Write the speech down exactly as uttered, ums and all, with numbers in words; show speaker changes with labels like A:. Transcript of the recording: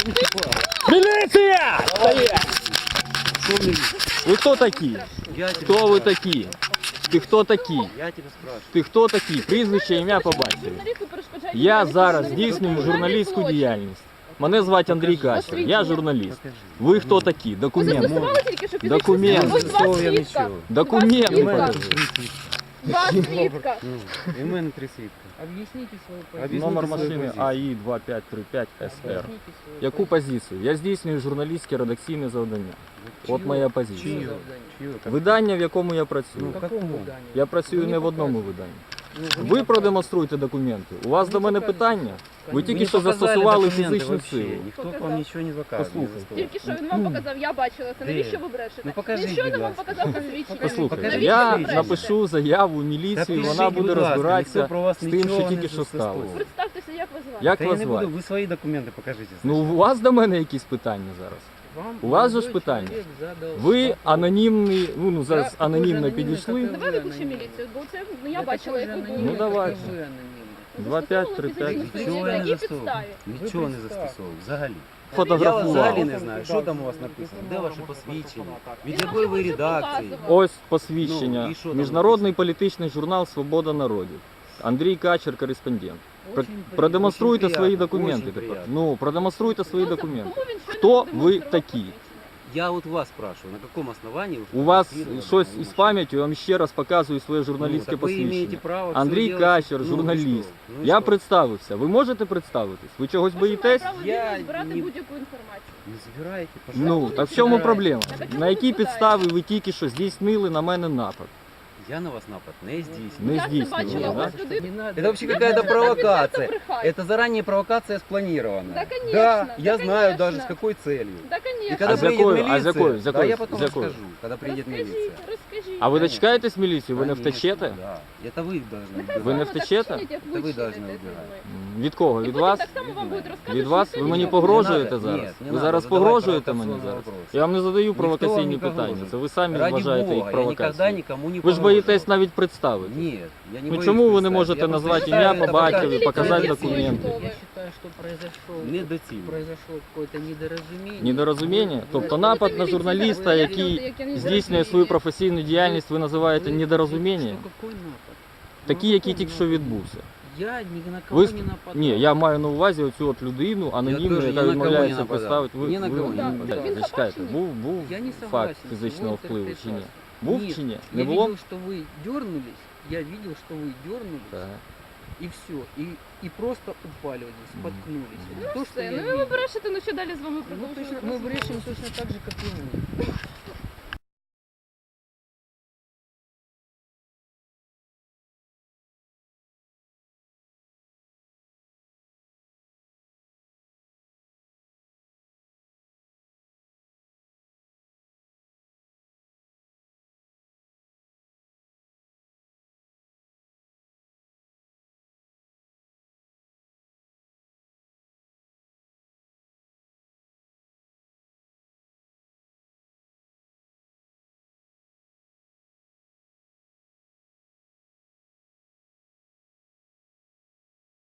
A: Милиция! Стоять! Вы кто такие? Кто вы такие? Ти хто такий?
B: Я тебе спрашиваю.
A: Ти хто такий? Прізвище, ім'я по батькові. Я зараз здійснюю журналістську діяльність. Мене звати Андрій Качер, я журналіст. Ви хто такі? Документ. Документ. Документ.
C: Два свідка.
B: І в мене три свідка.
D: Объясните свою позицию.
A: Номер машини А І два п'ять три п'ять С Р. Яку позицію? Я здійснюю журналістське редакційне завдання. От моя позиція.
B: Чию? Чию?
A: Видання, в якому я працюю.
B: Ну, какому?
A: Я працюю не в одному виданні. Ви продемонструйте документи. У вас до мене питання? Ви тільки що застосували фізичну силу.
B: Ніхто вам нічого не заказує.
A: Послухайте.
C: Тільки що він вам показав, я бачила це. Навіщо ви брешете?
B: Ну, покажіть,
C: Він щойно
B: будь
C: вам
B: ласка.
C: показав посвідчення.
A: Послухайте,
C: Навіщо
A: я
C: ви брешете?
A: напишу заяву в міліцію, вона буде розбиратися з тим, що тільки що сталося.
C: Представтеся, як ви звати.
A: Як
B: Та я
A: вас
B: не буду,
A: звати?
B: ви свої документи покажіть.
A: Ну, у вас до мене якісь питання зараз?
D: Вам
A: У вас же ж
D: молодой
A: питання.
D: человек задал
A: Ви
D: вопрос.
A: анонімний, ну, ну зараз
D: Я
A: анонімно
D: дуже
A: підійшли.
D: анонімний,
C: Давай виключи міліцію, бо це ну, я
D: Я
C: бачила,
D: такой
C: як
D: же
C: ви
A: Ну,
C: були.
D: анонімний,
A: давайте.
D: как и вы анонімний.
A: два п'ять три п'ять.
B: Нічого я не
C: Які
B: застосовую.
C: підставі?
B: Нічого не застосовував, взагалі. Я
A: Фотографував.
B: взагалі не знаю, що там у вас написано, де ваше посвідчення, від якої ви редакції.
A: Ось посвідчення.
B: Ну, і що там
A: Міжнародний політичний журнал «Свобода народів». Андрій Качер, кореспондент. Про-
D: Очень приятно.
A: Продемонструйте
B: Очень
A: свої
B: приятно,
A: документи
B: очень
A: тепер.
B: приятно.
A: Ну, продемонструйте свої
C: Ну, це-
A: документи.
C: кому він щойно
A: Хто ви
C: продемонстрував
A: такі?
C: посвідчення?
B: Я от вас спрашиваю, на якому основанні ви
A: У вас
B: фотографировали
A: щось
B: мою
A: із
B: машину?
A: пам'яттю, я вам ще раз показую своє
B: Ну,
A: журналістське
B: так ви маєте
A: посвідчення.
B: право це
A: Андрій
B: делать.
A: Качер,
B: Ну, і
A: журналіст.
B: що? Ну, і
A: Я
B: що?
A: представився. Ви можете представитись? Ви чогось
C: Кожен має
A: боїтесь?
C: право
B: Я
C: вільно збирати
B: ні-
C: будь-яку інформацію.
B: Не збирайте,
A: Ну,
B: пожалуйста.
A: так в чому
B: Збирайте.
A: проблема?
C: Так, а чому
A: На
C: ви
A: якій
C: складаєте?
A: підставі ви тільки що здійснили на мене напад?
B: Я на вас напад не здійснюю.
A: Не
C: Я це
A: здійснювали,
C: бачила у
A: да?
C: вас людину.
D: Не надо.
B: Это вообще
C: Я
B: какая-то
C: просто
B: провокация.
C: брехать.
B: Это заранее провокация спланированная.
C: Да, конечно,
B: Да,
C: да,
B: я знаю
C: конечно.
B: даже с какой целью.
C: Да,
B: И
C: конечно.
B: когда
A: А с
B: приедет
A: какой-
B: милиция,
A: а с какой- с
B: да,
A: какой-
B: я потом
A: с какой?
B: расскажу, когда приедет
C: Розкажіть,
B: милиция.
C: розкажіть.
A: А ви
B: Конечно.
A: дочекаєтесь міліцію? Ви не
B: Конечно,
A: втечете?
B: Да. Это вы должны
C: Нехай
B: убирать.
A: Ви не
C: з вами так
A: втечете?
C: чинять, як
B: Це
C: ви
B: ви
C: чините
B: должны
C: зі мною.
A: М, Від кого?
C: І
A: Від
C: потім
A: вас?
C: так само вам будуть розказувати,
A: Від
C: що
A: вас?
C: ніхто
A: Ви
C: нічого
A: мені
C: не
A: погрожуєте
B: Не надо,
A: зараз?
B: нет, не
A: Ви
B: надо
A: зараз
B: задавати
A: погрожуєте мені
B: провокационные
A: зараз?
B: вопросы.
A: Я вам не задаю
B: Ніхто
A: провокаційні
B: вам не
A: питання.
B: погрожує.
A: Це ви самі
B: Ради
A: вважаєте
B: Бога,
A: їх
B: я никогда
A: провокацією.
B: никому не
A: Ви ж
B: погрожував.
A: боїтесь навіть представити.
B: Нет, я не
A: Ну
B: боюсь
A: чому ви не
B: представить.
A: можете
B: Я просто
A: назвати
B: считаю,
A: ім'я
B: это
A: по
B: пока-
A: батькові,
C: Покажите
A: показати
C: документы.
A: документи?
D: Я считаю, что произошло,
B: Недоцільно.
D: произошло какое-то недоразумение.
A: Недорозуміння?
D: Вы-
A: Тобто
D: вы-
A: напад
C: Це
A: на
C: міліція,
A: журналіста,
C: ви
A: який
C: говорите, як я не
A: здійснює
C: знаю.
A: свою професійну діяльність, ви називаєте
D: вы-
A: недорозумінням?
D: Что, какой напад?
A: Такі,
D: Ну,
A: які
D: какой
A: тільки що
D: напад?
A: відбувся.
D: Я ни на кого
A: Ви...
D: не нападал.
A: Ні, я маю на увазі оцю от людину, анонімну,
B: теж ні
A: яка
B: на кого
A: відмовляється
B: не нападав.
A: представити. Ви,
B: Ні на
A: ви-
B: кого
C: не
A: ви-
C: нападав.
A: так,
C: Він
A: зачекайте,
C: хабарник?
A: був, був
D: Я не
A: факт
D: согласен.
A: фізичного
D: Вот это
A: впливу чи ні?
D: прекрасно.
A: Був
D: Нет,
A: чи ні?
D: Я
A: Не було?
D: видел, что вы дернулись, я видел, что вы дернулись,
A: Так.
D: и все, и, и просто упали вот здесь, споткнулись.
C: Ну
D: Вот то, что
C: все,
D: я
C: ну ви
D: видел.
C: брешете, ну що далі з вами
D: Ну, точно,
C: продовжувати?
D: мы брешем точно так же, как и вы.